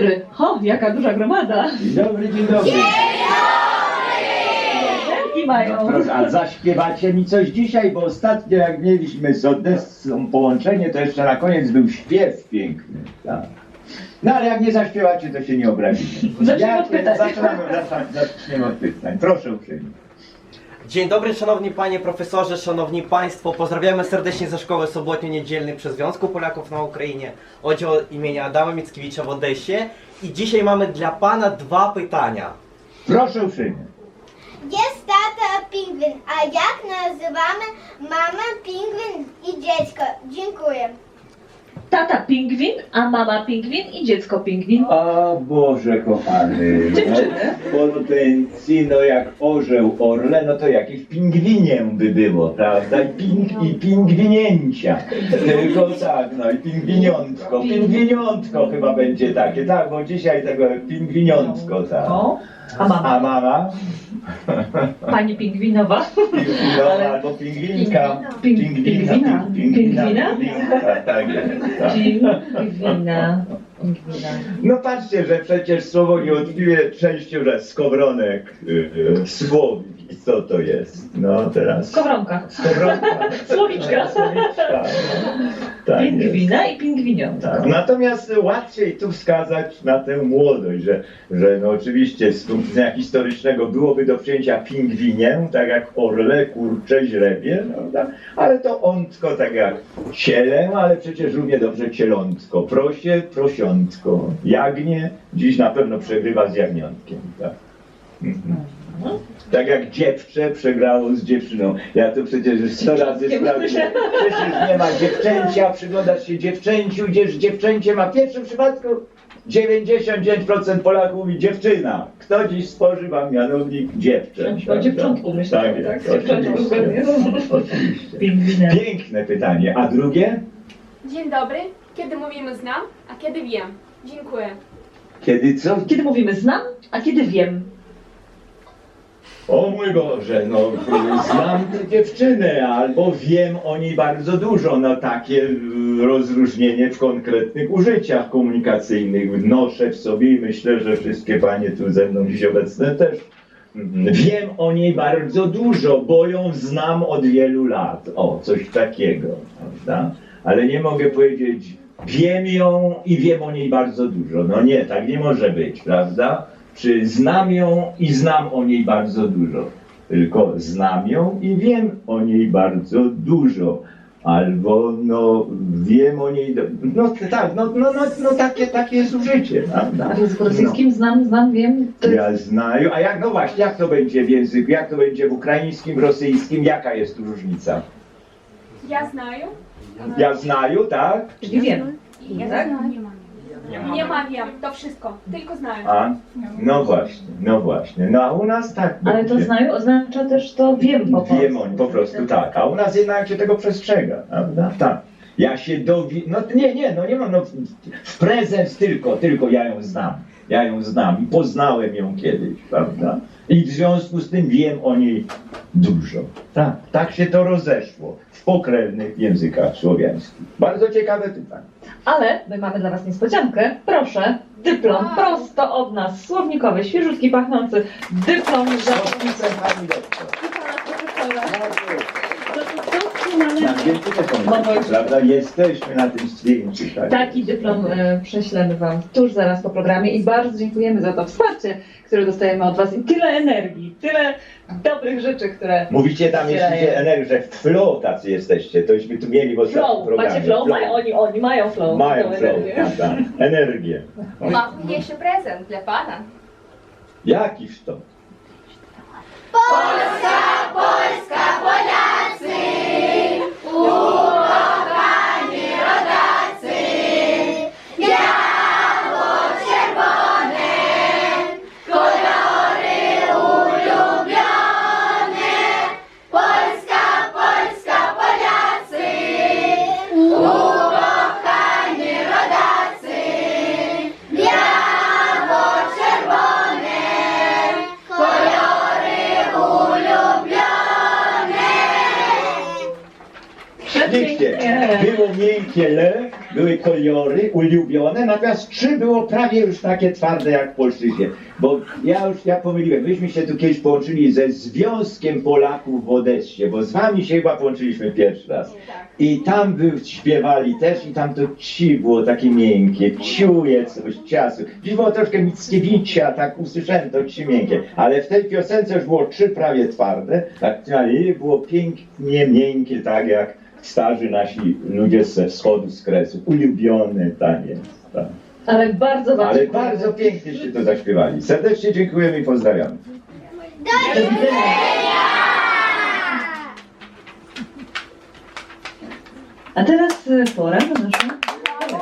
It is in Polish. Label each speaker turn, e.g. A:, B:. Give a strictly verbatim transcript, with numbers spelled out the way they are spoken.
A: dobry. Ho, jaka duża gromada.
B: Dzień dobry, dzień dobry.
A: I mają.
B: No, proszę, a zaśpiewacie mi coś dzisiaj, bo ostatnio jak mieliśmy z Odessą połączenie, to jeszcze na koniec był śpiew piękny. Tak. No ale jak nie zaśpiewacie, to się nie obrazimy.
A: Zaczniemy od pytań.
B: Zaczynamy, zaczynamy, zaczniemy od pytań. Proszę uprzejmie.
C: Dzień dobry, szanowni panie profesorze, szanowni państwo. Pozdrawiamy serdecznie ze szkoły sobotnio-niedzielnej przy Związku Polaków na Ukrainie, oddział imienia Adama Mickiewicza w Odessie. I dzisiaj mamy dla pana dwa pytania.
B: Proszę uprzejmie.
D: Jest tata pingwin, a jak nazywamy mamę pingwin i dziecko? Dziękuję.
A: Tata pingwin, a mama pingwin i dziecko pingwin.
B: O Boże kochany.
A: Dziewczyny.
B: No, potencji, no jak orzeł, orle, no to jakieś pingwinie by było, prawda? I, ping, i pingwinięcia. Tylko tak, no i pingwiniątko. Pingwiniątko chyba będzie takie, tak, bo dzisiaj tego pingwiniątko, tak.
A: O, a mama?
B: A mama?
A: Pani pingwinowa.
B: Pingwinowa albo pingwinka.
A: Ping-
B: Pingwina.
A: pingwina? Pingwina?
B: Pingwinka, tak jest. Tak.
A: Pingwina. Pingwina.
B: No patrzcie, że przecież słowo niewątpliwie częścią że skowronek y, y, słowi. Co to jest? No teraz.
A: Skowronka.
B: Skowronka.
A: Słowiczka.
B: Słowiczka. No. Tak jest.
A: Pingwina i pingwiniątka.
B: Tak. Natomiast łatwiej tu wskazać na tę młodość, że, że no oczywiście z punktu widzenia historycznego byłoby do przyjęcia pingwinię, tak jak orle, kurcze, źrebie, prawda? Ale to ontko, tak jak cielę, ale przecież równie dobrze cielątko, prosie, prosiątko, jagnię, dziś na pewno przegrywa z jagniątkiem. Tak, mhm. Tak jak dziewczę przegrało z dziewczyną. Ja to przecież już sto razy sprawdziłem. Przecież nie ma dziewczęcia, przyglądasz się dziewczęciu, gdzież dziewczęcie ma w pierwszym przypadku dziewięćdziesiąt dziewięć procent Polaków mówi dziewczyna. Kto dziś spożywa mianownik dziewczęć?
A: O dziewczątku myślę,
B: Tak,
A: tak?
B: jest,
A: Dziewczątku
B: oczywiście,
A: zgodnie.
B: oczywiście.
A: Pingwinem.
B: Piękne pytanie. A drugie?
E: Dzień dobry. Kiedy mówimy znam, a kiedy wiem? Dziękuję.
B: Kiedy co?
A: Kiedy mówimy znam, a kiedy wiem.
B: O mój Boże, no znam tę dziewczynę, albo wiem o niej bardzo dużo, no takie y, rozróżnienie w konkretnych użyciach komunikacyjnych wnoszę w sobie i myślę, że wszystkie panie tu ze mną dziś obecne też. mm, Wiem o niej bardzo dużo, bo ją znam od wielu lat, o coś takiego, prawda? Ale nie mogę powiedzieć, wiem ją i wiem o niej bardzo dużo, no nie, tak nie może być, prawda? Czy znam ją i znam o niej bardzo dużo, tylko znam ją i wiem o niej bardzo dużo, albo no wiem o niej, do... no tak, no, no, no, no takie, takie jest użycie, prawda?
A: A w języku rosyjskim znam, znam, wiem. To jest...
B: Ja znaję, a jak, no właśnie, jak to będzie w języku, jak to będzie w ukraińskim, w rosyjskim, jaka jest tu różnica?
E: Ja znаю.
B: Ja znaję, tak?
A: Czyli wiem.
E: Ja
A: Tak?
E: Nie ma wiem. To wszystko. Tylko znаю.
B: A, no właśnie, no właśnie, no a u nas tak
A: Ale to
B: będzie.
A: znają oznacza też to wiem po polsku.
B: Wiem on, po prostu tak, a u nas jednak się tego przestrzega, prawda? Tak. Ja się dowi... No nie, nie, no nie mam, no w prezent tylko, tylko ja ją znam. Ja ją znam i poznałem ją kiedyś, prawda? I w związku z tym wiem o niej dużo. Tak, tak się to rozeszło w pokrewnych językach słowiańskich. Bardzo ciekawe pytanie.
A: Ale my mamy dla was niespodziankę. Proszę, dyplom prosto od nas, słownikowy, świeżutki, pachnący dyplom za
B: Podpisem pani doktor.
A: No
B: Na zdjęciu też są, prawda? Jesteśmy na tym zdjęciu. Tak.
A: Taki dyplom e, prześlemy wam tuż zaraz po programie i bardzo dziękujemy za to wsparcie, które dostajemy od was i tyle energii, tyle dobrych rzeczy, które...
B: Mówicie tam,
A: wspierają.
B: jeśli energię, że w flow tacy jesteście, tośmy tu mieli w ostatnim
A: Flow,
B: programie.
A: macie flow? Mają, oni, oni mają flow.
B: Mają
A: tą
B: flow,
A: energię.
B: prawda? Energię.
F: Mam jeszcze prezent dla pana.
B: Jakiż to?
D: Polska, Polska, Polacy, ukochani rodacy, biało-czerwone, kolory ulubione. Polska, Polska, Polacy, ukochani rodacy, biało-czerwone, kolory ulubione.
B: Widzicie, było miękkie le były kolory ulubione, natomiast trzy było prawie już takie twarde jak w Polszczyźnie. Bo ja już, ja pomyliłem, myśmy się tu kiedyś połączyli ze Związkiem Polaków w Odessie, bo z wami się chyba połączyliśmy pierwszy raz. I tam by śpiewali też i tam to ci było takie miękkie, ciuje coś, ciasu. Dziś było troszkę Mickiewicza, tak usłyszałem to ci miękkie, ale w tej piosence już było trzy prawie twarde, tak, i było pięknie miękkie, tak jak starzy nasi ludzie ze wschodu, z Kresów. Ulubiony taniec. Tak.
A: Ale bardzo wam
B: Ale
A: dziękujemy.
B: bardzo pięknie się to zaśpiewali. Serdecznie dziękujemy i pozdrawiamy.
A: Do widzenia. A teraz y, pora na naszą